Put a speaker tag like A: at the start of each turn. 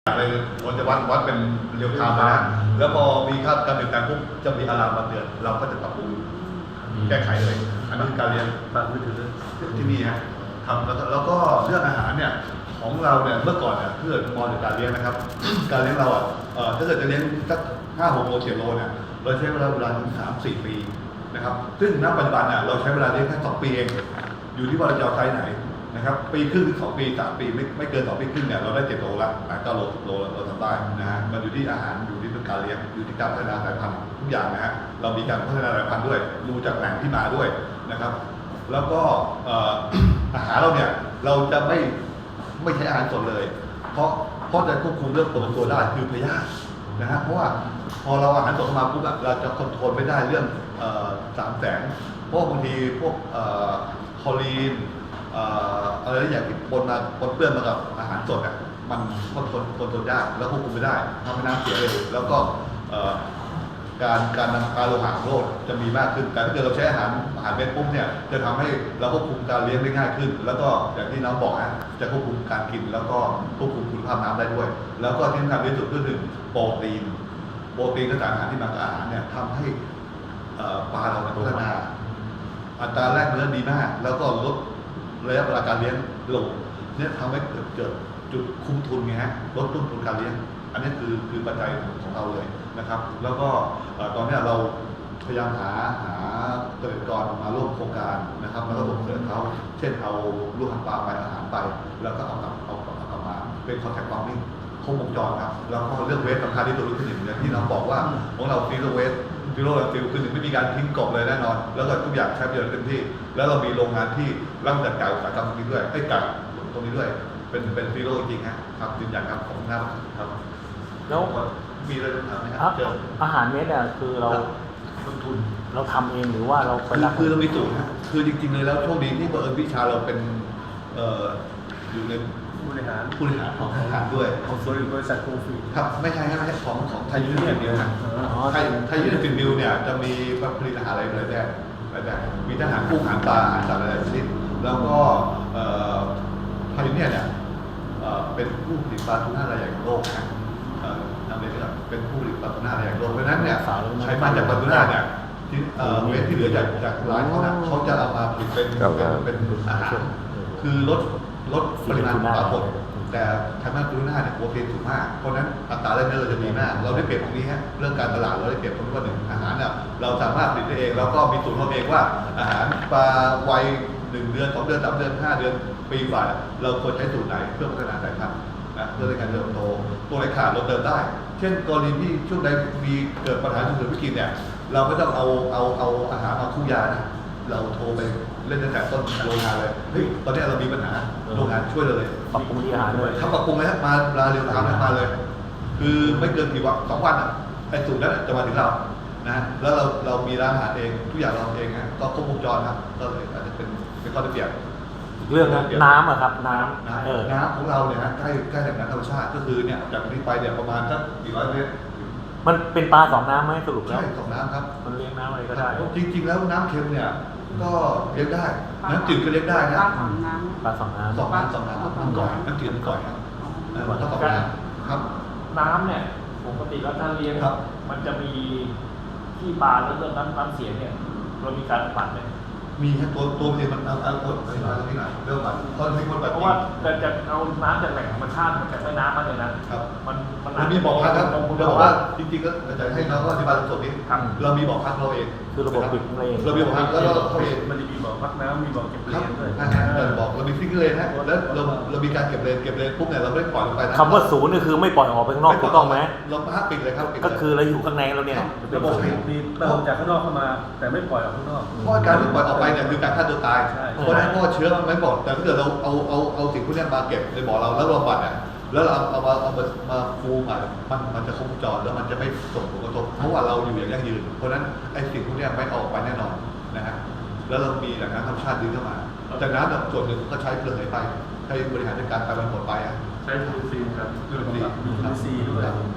A: เลยมันจะวัดเป็นเรียลไทม์นะแล้วพอมีค่าการเปลี่ยนแปลงปุ๊บจะมีอะลามมาเตือนเราก็จะปรับปรุงแก้ไขเลย อันนี้การเรียนผ่านมือถือที่นี่ฮะทำแล้วก็เรื่องอาหารเนี่ยของเราเนี่ยเมื่อก่อนเนี่ยเพื่อมองถึงการเลี้ยงนะครับ การเลี้ยงเราถ้าเกิดจะเลี้ยงสัก5-6 โล7 โลเนี่ยเราใช้เวลาถึง3-4 ปีนะครับซึ่งณปัจจุบันเนี่ยเราใช้เวลาเลี้ยงแค่2 ปีเองอยู่ที่ว่าเราจะเอาไซส์ไหนนะครับปีครึ่งถึง2 ปี3 ปีไม่เกิน2 ปีครึ่งเนี่ยเราได้7 โลละ8-9 โล10 โลเราทำได้นะฮะมันอยู่ที่อาหารอยู่ที่การเลี้ยงอยู่ที่การพัฒนาสายพันธุ์ทุกอย่างนะฮะเรามีการพัฒนาสายพันธุ์ด้วยดูจากแหล่งที่มาด้วยนะครับแล้วก็อาหารเราเนี่ยเราจะไม่ใช้อาหารสดเลยเพราะจะควบคุมเรื่องตัวได้คือพยาธินะฮะเพราะว่าพอเราอาหารสดเข้ามาปุ๊บเราจะคอนโทรลไม่ได้เรื่อง3 แสงเพราะบางทีพวกคอลีนอะไรอย่างที่ปนเปื้อนมากับอาหารสดอ่ะมันคอนโทรลยากแล้วควบคุมไม่ได้ทำให้น้ำเสียเลยแล้วก็การนำพาโลหะโลดจะมีมากขึ้นแต่ถ้าเกิดเราใช้อาหารเม็ดปุ๊บเนี่ยจะทำให้เราควบคุมการเลี้ยงได้ง่ายขึ้นแล้วก็อย่างที่น้องบอกนะจะควบคุมการกินแล้วก็ควบคุมคุณภาพน้ำได้ด้วยแล้วก็ที่สำคัญที่สุดก็คือโปรตีนและสารอาหารที่มากับอาหารเนี่ยทำให้ปลาเราพัฒนาอัตราแลกเนื้อดีมากแล้วก็ลดระยะเวลาการเลี้ยงลงเนี่ยทำให้เกิดจุดคุ้มทุนไงฮะลดต้นทุนการเลี้ยงอันนี้คือปัจจัยของเราเลยนะครับแล้วก็ตอนนี้เราพยายามหาเกษตรกรมาร่วมโครงการนะครับแล้วก็ส่งเสริมเขาเช่นเอาลูกหางปลาไปอาหารไปแล้วก็เอากลับมาเป็นคอนแทคฟาร์มมิ่งครบวงจรครับแล้วก็เรื่องเวสสำคัญที่สุดคือหนึ่งอย่างที่เราบอกว่าของเราซีโร่เวสซีโร่แลนด์ฟิลคือหนึ่งไม่มีการทิ้งกบเลยแน่นอนแล้วก็ทุกอย่างใช้ประโยชน์เต็มที่แล้วเรามีโรงงานที่ร่างจัดการอุตสาหกรรมตรงนี้ด้วยให้กัดตรงนี้ด้วยเป็นซีโร่จริงครับยืนยันครับของหน้าครับ
B: แล้ว
A: มีอะไรต้องถามไหมครับ
B: อาหารเม็ดอ่ะคือเรา
A: ลงทุน
B: เราทำเองหรือว่าเราไปรับ
A: คือเรามีสูตรนะคือจริงๆเลยแล้วโชคดีที่บังเอิญวิชาเราเป็นอยู่ในผู้บริหารของอาหารด้วย
C: ของบริษัทโคฟี
A: ครับไม่ใช่ของไทยยูนิเดียวนะไทยยูนิฟิลเนี่ยจะมีผลิตอาหารหลายแบบมีอาหารกุ้งอาหารปลาอาหารสัตว์หลายชนิดแล้วก็ไทยยูนิเนี่ยเป็นผู้ผลิตปลาทูน่ารายใหญ่ของโลกนะนำเรียนว่าเป็นผู้ผลิตปลาทูน่ารายใหญ่ของโลกเพราะฉะนั้นเนี่ยใช้มาจากปลาทูน่าเนี่ยที่เวทที่เหลือจากร้านเขาจะเอามาผลิตเป็นอาหารคือลดปริมาณปลาสดแต่ไขมันทูน่าเนี่ยโปรตีนสูงมากเพราะนั้นอัตราแลกเนื้อเราจะดีมากเราได้เปรียบตรงนี้ฮะเรื่องการตลาดเราได้เปรียบตรงที่ว่าหนึ่งอาหารเนี่ยเราสามารถผลิตได้เองแล้วก็มีสูตรของเราเองว่าอาหารปลาวัย1 เดือน2 เดือน3 เดือน5 เดือนปีฝ่ายเราควรใช้สูตรไหนเพื่อพัฒนาสายพันธุ์นะเพื่อในการเติบโตตัวไหนขาดเราเติมได้ เช่นกรณีที่ช่วงใดมีเกิดปัญหาฉุกเฉินวิกฤตเนี่ยเราไม่ต้องเอาอาหารมาคู่ยานะเราโทรไปเล่นตั้งแต่ต้นโรงงานเลยเฮ้ยตอนนี้เรามีปัญหาโรงงานช่วยเราเลย
B: ปรับปรุงที่อาหารด้วย
A: ครับปรับปรุงเลยครับมาเร็วทำมาเลยคือไม่เกินกี่วัน2 วันอ่ะไอ้สูตรนั้นจะมาถึงเรานะแล้วเรามีร้านอาหารเองทุกอย่างเราเองนะก็ครบวงจรครับก็เลยอาจจะเป็นข้อได้เปรียบ
B: เรื่องน้ำอะครับน้ำ
A: ของเราเนี่ยนะใกล้แหล่งน้ำธรรมชาติก็คือเนี่ยจากนี้ไปเนี่ยประมาณสัก400 เมตร
B: มันเป็นปลา2 น้ำไหมสรุปแล้ว
A: ใช่2 น้ำครับ
B: มันเลี้ยงน้ำอะไรก็ได้
A: จริงๆแล้วน้ำเค็มเนี่ยก็เลี้ยงได้น้ำจืดก็เลี้ยงได้นะ
B: ปลา2 น้ำ
A: 2 น้ำครับก่อนน้ำจืดก่อนครับถ้า2 น้ำครับ
C: น้ำเนี่ยปกติแล้วถ้าเลี้ยงมันจะมีที่ปลาแล้วเรื่องน้ำเสียเนี่ยเรามีการปัดไหม
A: มีแค่ตัวเดียวมันเอากดไปหน่อยที่ไหนเรื่องมันตอนที่คนแบบ
C: เพราะว่าจะเอาน้ำจากแหล่งธรรมชาติจากแม่น้ำมาเลยนะครับ
A: มันมีบ่อพักครับเราบอกว่าจริงๆก็จะให้น้องก็อธิบายสดนิดเรามีบ่อพักเราเอง
B: คือระบบปิดเอง
A: เรามีบ่อพักแล้วเราเอง
C: มันจะมีบ่อพักน้ำมีบ่อเก็บเลนด้วย
A: บอกเรามีซิงเกิลเลนฮะแล้วเรามีการเก็บเลนปุ๊บเนี่ยเราไม่ได้ปล่อยลงไป
B: คำว่าศูนย์นี่คือไม่ปล่อยออกไปข้างนอกถูกต้องไหม
A: เราพักปิดเลยครับ
B: ก็คือเราอยู่ข้างในเราเนี่ย
C: ระบบมีเติมจากข้างนอกเข้ามาแต่ไม่ปล่อยออกข้างนอก
A: เพราะการที่ปล่อยออกไปเนี่ยคือการฆ่าตัวตายเพราะฉะนั้นเพราะเชื้อมันไม่บอกแต่ถ้าเกิดเราเอาสิ่งพวกนี้มาเก็บในบ่อเราแล้วเราบัดเนี่ยแล้วเราเอามาฟูมันจะคงจรแล้วมันจะไม่ส่งผลกระทบเพราะว่าเราอยู่อย่างยั่งยืนเพราะฉะนั้นไอ้สิ่งพวกนี้ไม่ออกไปแน่นอนนะฮะแล้วเรามีแหล่งน้ำธรรมชาติดึงเข้ามาจากน้ำส่วนหนึ่งก็ใช้เปลือกไหลไปให้บริหารจัดการไปมันหมดไป
C: ใช้ยูซีครับ
A: ยู
C: ซีด้วย